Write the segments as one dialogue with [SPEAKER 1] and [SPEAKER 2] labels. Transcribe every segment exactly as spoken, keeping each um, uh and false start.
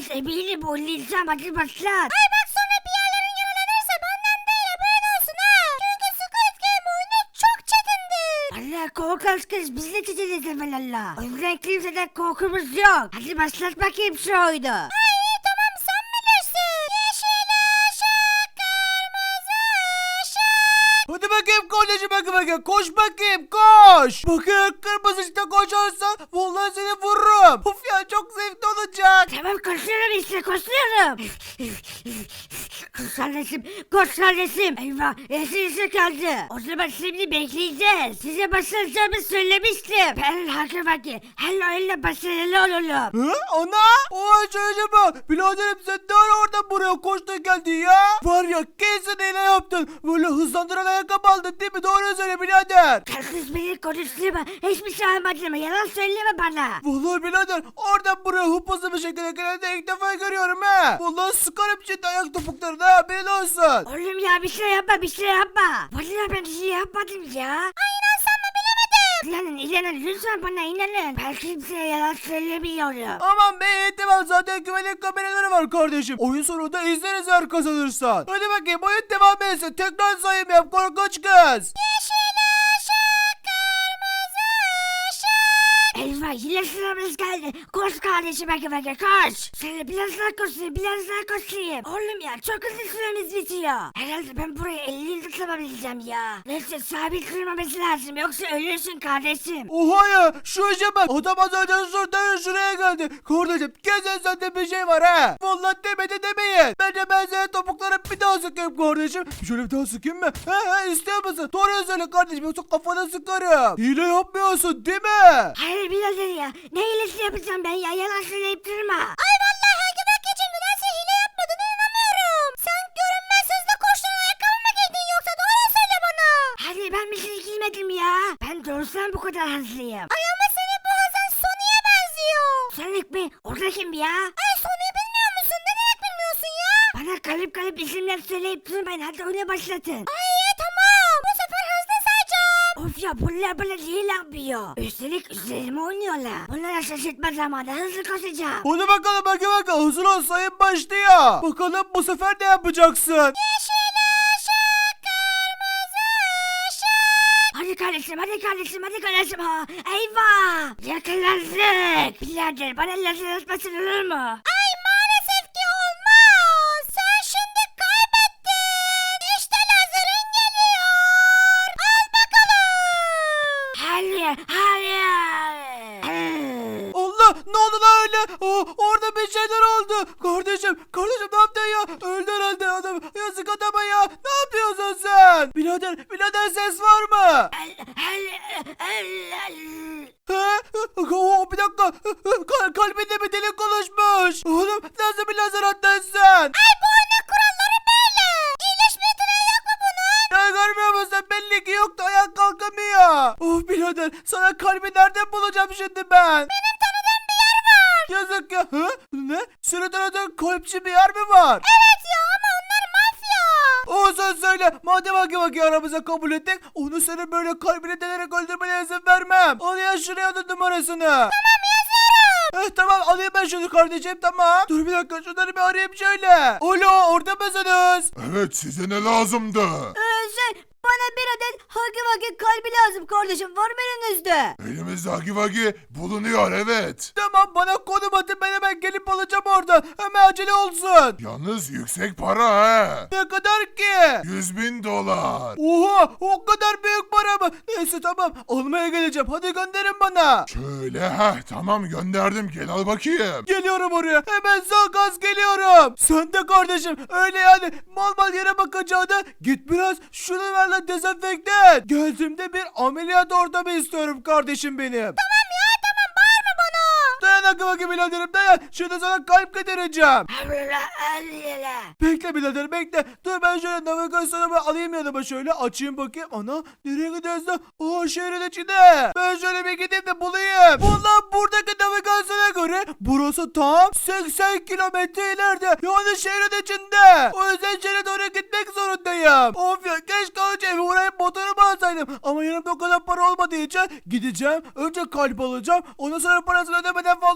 [SPEAKER 1] eminim oynayacağım hadi başlat.
[SPEAKER 2] Ay bak sonra bir yerlerin yaralanırsa benden değil haberin olsun ha. Çünkü Squid Game oyunu çok çetindir.
[SPEAKER 1] Allah korkak kız biz de çizeceğiz evvelallah. O yüzden kimseden korkumuz yok. Hadi başlat bakayım şu oyunu.
[SPEAKER 2] Ay iyi tamam sen bilirsin. Yeşil ışık kırmızı ışık.
[SPEAKER 3] Hadi bakayım kardeşim bakayım bakayım. Koş bakayım koş. Bakın kırmızı ışıkta koşarsan vallahi seni vururum. Of ya çok zevkli olacak.
[SPEAKER 1] Tamam koşuyorum işte koşuyorum. Koş kardeşim koş kardeşim. Eyvah yeşil ışık kaldı. O zaman şimdi bekleyeceğiz. Size başlayacağımı söylemiştim. Ben hakim hakim. Hello hello başarılı olalım.
[SPEAKER 3] Hı? Ana? Oy çocuğum. Biraderim sen ne ara oradan buraya koştun geldin ya? Var ya kesin hile yaptın. Böyle hızlandıran ayakkabı aldın değil mi? Doğru söyle birader.
[SPEAKER 1] Kız beni konuşturma. Hiçbir şey almadım. Yalan söyleme bana.
[SPEAKER 3] Vallahi birader oradan buraya hıpızlı bir şekilde gelen de ilk defa görüyorum he. Vallahi sıkarım şimdi ayak topuklarına ha haberin olsun.
[SPEAKER 1] Oğlum ya bir şey yapma bir şey yapma. Vallahi ben bir şey yapmadım ya.
[SPEAKER 2] Ay inansan mı bilemedim.
[SPEAKER 1] İnanın inanın lütfen bana inanın. Ben kimseye yalan söylemiyorum.
[SPEAKER 3] Aman be iyi tamam zaten güvenlik kameraları var kardeşim. Oyun sonunda izleriz eğer kazanırsan. Hadi bakayım oyun devam etsin. Tekrar sayım yap korkunç kız.
[SPEAKER 2] Yeşil ışık kırmızı ışık.
[SPEAKER 1] Eyvah yine sıramız geldi. Koş kardeşim bakın bakın koş. Şöyle biraz daha koşayım biraz daha koşayım. Oğlum ya çok hızlı süremiz bitiyor. Herhalde ben burayı elli yılda sığabileceğim ya. Neyse sabit durmaması lazım yoksa ölürsün kardeşim.
[SPEAKER 3] Oha ya şu işe bak. Adam az önce şuradan şuraya geldi. Kardeşim kesin sende bir şey var ha. Vallahi demedi demeyin. Bence ben senin topuklara bir daha sıkayım kardeşim. Şöyle bir daha sıkayım mı? He he istiyor musun? Doğru söyle kardeşim yoksa kafana sıkarım. Hile yapmıyorsun değil mi?
[SPEAKER 1] Hayır birader ya. Ne iyilesi yapacağım ben ya yalan söyleyip durma.
[SPEAKER 2] Ay vallahi hangi bak geçen nedense hile yapmadığına inanamıyorum. Sen görünmez hızla koştuğun ayakkabı mı giydin yoksa doğru söyle bana.
[SPEAKER 1] Hadi ben bir şey giymedim ya. Ben doğrudan bu kadar hızlıyım.
[SPEAKER 2] Ay ama senin bu hızın Sony'e benziyor.
[SPEAKER 1] Sonic mi? O da kim ya?
[SPEAKER 2] Ay Sony'yi bilmiyor musun? Ne demek bilmiyorsun ya?
[SPEAKER 1] Bana kalıp kalıp isimler söyleyip durmayın. Hadi oyuna başlatın.
[SPEAKER 2] Ay iyi tamam. Bu sefer hızlı sayacağım.
[SPEAKER 1] Of ya bunlar böyle değil yapıyor. Üstelik üzerime oynuyorlar. Bunlara şaşırtma zamanı hızlı koşacağım.
[SPEAKER 3] Hadi bakalım bakayım bakalım. Hazır ol sayın başlıyor. Bakalım bu sefer ne yapacaksın?
[SPEAKER 2] Yeşil ışık kırmızı ışık.
[SPEAKER 1] Hadi kardeşim hadi kardeşim hadi kardeşim ha. Eyvah. Yakalandık. Birader bana lazer atmasın olur mu?
[SPEAKER 2] Ay maalesef ki olmaz. Sen şimdi kaybettin. İşte lazerin geliyor. Al bakalım.
[SPEAKER 1] Hayır hayır.
[SPEAKER 3] Allah ne oldu lan öyle? Aa, orada bir şeyler oldu. Kardeşim kardeşim ne yaptın ya? Öldü herhalde adam. Yazık adama ya. Ne yapıyorsun sen? Birader birader ses var mı? He? Oo, bir dakika. Kal kalbinde bir delik oluşmuş. Oğlum nasıl bir lazer attın sen?
[SPEAKER 2] Ay bu oyunun kuralları böyle. İyileşme yeteneği yok mu bunun?
[SPEAKER 3] Ya görmüyor musun? Belli ki yoktu. Ayak kalkamıyor. Of birader sana kalbi nereden bulacağım şimdi ben?
[SPEAKER 2] Benim tanıdığım bir yer var.
[SPEAKER 3] Yazık ya. Hı? Ne? Senin tanıdığın kalpçi bir yer mi var?
[SPEAKER 2] Evet ya ama onlar mafya.
[SPEAKER 3] Olsun söyle. Madem haki vaki aramıza kabul ettik. Onu senin böyle kalbini delerek öldürmene izin vermem. Al ya şuraya da numarasını.
[SPEAKER 2] Tamam yazıyorum.
[SPEAKER 3] Eh, tamam alayım ben şunu kardeşim tamam. Dur bir dakika şunları bir arayayım şöyle. Alo orada mısınız?
[SPEAKER 4] Evet size ne lazımdı?
[SPEAKER 1] Ee, şey bana bir adet hagi vagi kalbi lazım kardeşim var mı elinizde?
[SPEAKER 4] Elimizde Hagi Vagi bulunuyor evet.
[SPEAKER 3] Tamam bana konum atın ben hemen gelip alacağım orada. Hemen acele olsun.
[SPEAKER 4] Yalnız yüksek para he.
[SPEAKER 3] Ne kadar ki?
[SPEAKER 4] Yüz bin dolar.
[SPEAKER 3] Oha o kadar büyük para mı? Neyse tamam almaya geleceğim. Hadi gönderin bana.
[SPEAKER 4] Şöyle heh tamam gönderdim gel al bakayım.
[SPEAKER 3] Geliyorum oraya. Hemen sağ gaz geliyorum. Sen de kardeşim öyle yani mal mal yere bakacağına git biraz şunu ver lan dezenfekte et. Geldiğimde bir ameliyat ortamı istiyorum kardeşim benim.
[SPEAKER 2] Tamam ya tamam bağırma bana.
[SPEAKER 3] Dayan akı bakayım biraderim dayan. Şimdi sana kalp getireceğim.
[SPEAKER 1] Allah Allah.
[SPEAKER 3] Bekle birader bekle. Dur ben şöyle navigasyonumu alayım yanıma şöyle açayım bakayım. Ana nereye gidiyoruz da? Aa şehrin içinde. Ben şöyle bir gideyim de bulayım. Valla buradaki navigasyona göre burası tam seksen kilometre ileride. Yani şehrin içinde. O yüzden şehre doğru gitmek zorundayım. Of ya keşke önce evi uğrayıp motorumu alsaydım. Ama yanımda o kadar para olmadığı için gideceğim. Önce kalp alacağım. Ondan sonra parasını ödemeden falan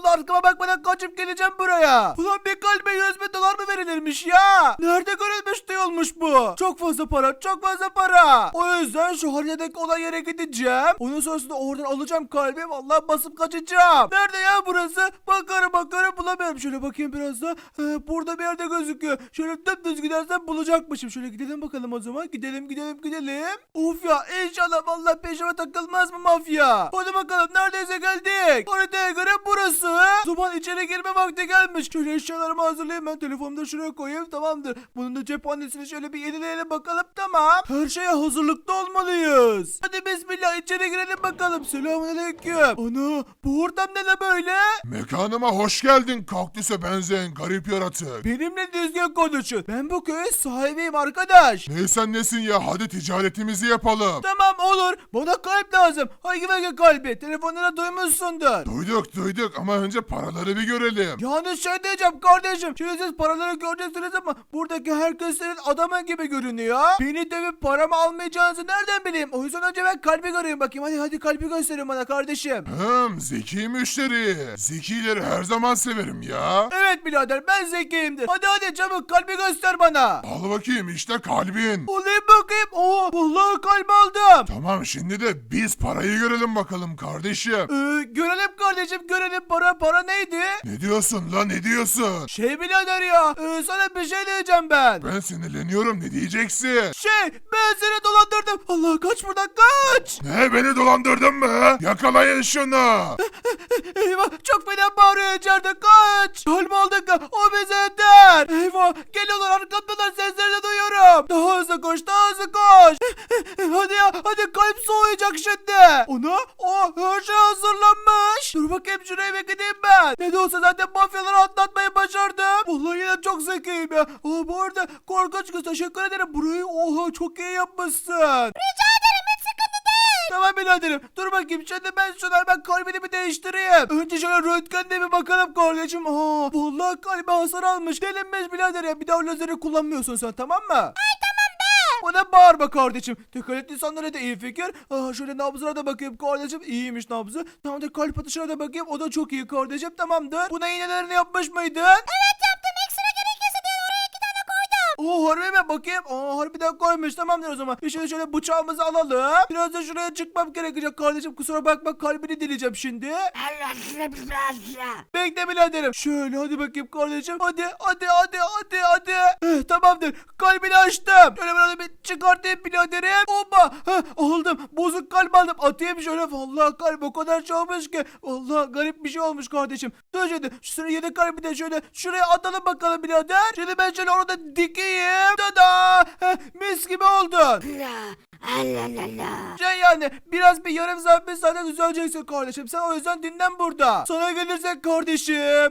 [SPEAKER 3] Vallahi arkama bakmadan kaçıp geleceğim buraya. Ulan bir kalbe yüz bin dolar mı verilirmiş ya? Nerede görülmüş duyulmuş bu? Çok fazla para, çok fazla para. O yüzden şu haritadaki olay yere gideceğim. Onun sonrasında oradan alacağım kalbi. Vallahi basıp kaçacağım. Nerede ya burası? Bakarım bakarım bulamıyorum. Şöyle bakayım biraz da. Ee, burada bir yerde gözüküyor. Şöyle dümdüz gidersem bulacakmışım. Şöyle gidelim bakalım o zaman. Gidelim gidelim gidelim. Of ya inşallah vallahi peşime takılmaz mı mafya? Hadi bakalım neredeyse geldik. Haritaya göre burası. Zaman içeri girme vakti gelmiş. Şöyle eşyalarımı hazırlayayım ben. Telefonumu da şuraya koyayım, tamamdır. Bunun da cephanesini şöyle bir yenileyelim bakalım, tamam. Her şeye hazırlıklı olmalıyız. Hadi bismillah içeri girelim bakalım. Selamünaleyküm. Ana bu ortam ne la böyle?
[SPEAKER 4] Mekanıma hoş geldin kaktüse benzeyen garip yaratık.
[SPEAKER 3] Benimle düzgün konuşun. Ben bu köyün sahibiyim arkadaş.
[SPEAKER 4] Neysen nesin ya, hadi ticaretimizi yapalım.
[SPEAKER 3] Tamam olur. Bana kalp lazım. Hangi hangi kalbi? Telefonlara duymuşsundur.
[SPEAKER 4] Duyduk duyduk ama önce paraları bir görelim.
[SPEAKER 3] Yani şey diyeceğim kardeşim. Şimdi siz paraları göreceksiniz ama buradaki herkes senin adamın gibi görünüyor. Beni dövüp paramı almayacağınızı nereden bileyim? O yüzden önce ben kalbi göreyim bakayım. Hadi hadi kalbi gösterin bana kardeşim.
[SPEAKER 4] Hım, zeki müşteri. Zekileri her zaman severim ya.
[SPEAKER 3] Evet birader ben zekiyimdir. Hadi hadi çabuk kalbi göster bana.
[SPEAKER 4] Al bakayım işte kalbin.
[SPEAKER 3] Olayım bakayım. Oo vallahi kalp aldım.
[SPEAKER 4] Tamam şimdi de biz parayı görelim bakalım kardeşim.
[SPEAKER 3] Ee, görelim kardeşim görelim para para neydi?
[SPEAKER 4] Ne diyorsun lan, ne diyorsun?
[SPEAKER 3] Şey birader ya e, sana bir şey diyeceğim ben.
[SPEAKER 4] Ben sinirleniyorum, ne diyeceksin?
[SPEAKER 3] Şey ben seni dolandırdım. Allah kaç buradan kaç.
[SPEAKER 4] Ne, beni dolandırdın mı? Yakalayın şunu.
[SPEAKER 3] Eyvah çok fena bağırıyor içeride kaç. Kalp aldık o bize yeter. Eyvah geliyorlar arkamdalar seslerini duyuyorum. Daha hızlı koş daha hızlı koş. Hadi ya hadi kalp soğuyacak şimdi. Ona o her şey hazırlanmış. Dur bakayım şuraya bir gideyim ben. Ne de olsa zaten mafyaları atlatmayı başardım. Vallahi yine çok zekiyim ya. Aa, bu arada korkunç kız teşekkür ederim. Burayı oha çok iyi yapmışsın.
[SPEAKER 2] Rica ederim hiç sıkıntı değil.
[SPEAKER 3] Tamam biraderim. Dur bakayım şimdi ben şunları ben kalbini bir değiştireyim. Önce şöyle röntgenle bir bakalım kardeşim. Aa, vallahi kalbi hasar almış. Delinmez birader ya. Bir daha o lazeri kullanmıyorsun sen tamam mı? Ay tamam be. Bana bağırma kardeşim. Dikkat et insanlara da iyi fikir. Aa, şöyle nabzına da bakayım kardeşim. İyiymiş nabzı. Tamam da kalp atışına da bakayım. O da çok iyi kardeşim. Tamamdır. Buna iğnelerini yapmış mıydın?
[SPEAKER 2] Evet yaptım, ekstra gerekirse diye oraya iki tane koydum.
[SPEAKER 3] Oo harbi mi bakayım? Aa harbiden koymuş tamamdır o zaman. Bir şöyle şöyle bıçağımızı alalım. Biraz da şuraya çıkmam gerekecek kardeşim. Kusura bakma kalbini dileyeceğim şimdi.
[SPEAKER 1] Allah size bir razı.
[SPEAKER 3] Bekle biraderim. Şöyle hadi bakayım kardeşim. Hadi hadi hadi hadi hadi. Eh, tamamdır. Kalbini açtım. Şöyle böyle bir çıkartayım biraderim. Hoppa. Heh, aldım. Bozuk kalp aldım. Atayım şöyle. Vallahi kalp o kadar şey olmuş ki. Vallahi garip bir şey olmuş kardeşim. Dur şimdi. Şuraya yeni kalbi de şöyle şuraya atalım bakalım birader. Şimdi ben şöyle orada dikeyim. Tada. Heh, mis gibi oldu.
[SPEAKER 1] Allah Allah Allah.
[SPEAKER 3] Şey yani biraz bir yarım saat bir saate düzeleceksin kardeşim. Sen o yüzden dinlen burada. Sana gelirsek kardeşim. Ne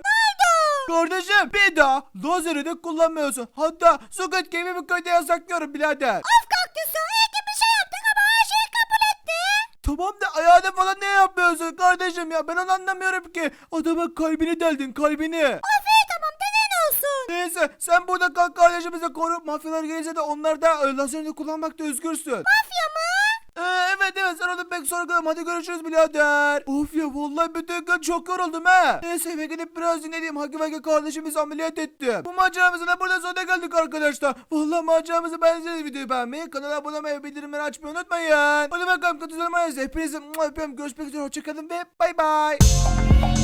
[SPEAKER 3] Kardeşim bir daha lazeri de kullanmıyorsun. Hatta Squid Game'i bu köyde yasaklıyorum birader.
[SPEAKER 2] Of kaktüsü iyi ki bir şey yaptık ama her şeyi kabul etti.
[SPEAKER 3] Tamam da ayağına falan ne yapıyorsun kardeşim ya? Ben onu anlamıyorum ki. Adamın kalbini deldin kalbini.
[SPEAKER 2] Of iyi tamam denen olsun.
[SPEAKER 3] Neyse sen burada kal kardeşimizi koru. Mafyalar gelirse de onlar da e, lazerini kullanmakta özgürsün.
[SPEAKER 2] Mafya mı?
[SPEAKER 3] Ee, evet evet sen onu pek sorgulama. Hadi görüşürüz birader. Of ya vallahi bütün gün çok yoruldum ha. Neyse eve gidip biraz dinleyeyim. Hagi Vagi kardeşimizi ameliyat ettim. Bu maceramızın da burada sonuna geldik arkadaşlar. Vallahi maceramızı beğendiyseniz videoyu beğenmeyi, kanala abone olmayı, bildirimleri açmayı unutmayın. Hadi bakalım katılmayız. Hepinizi öpüyorum. Görüşmek üzere. Hoşçakalın ve bay bay.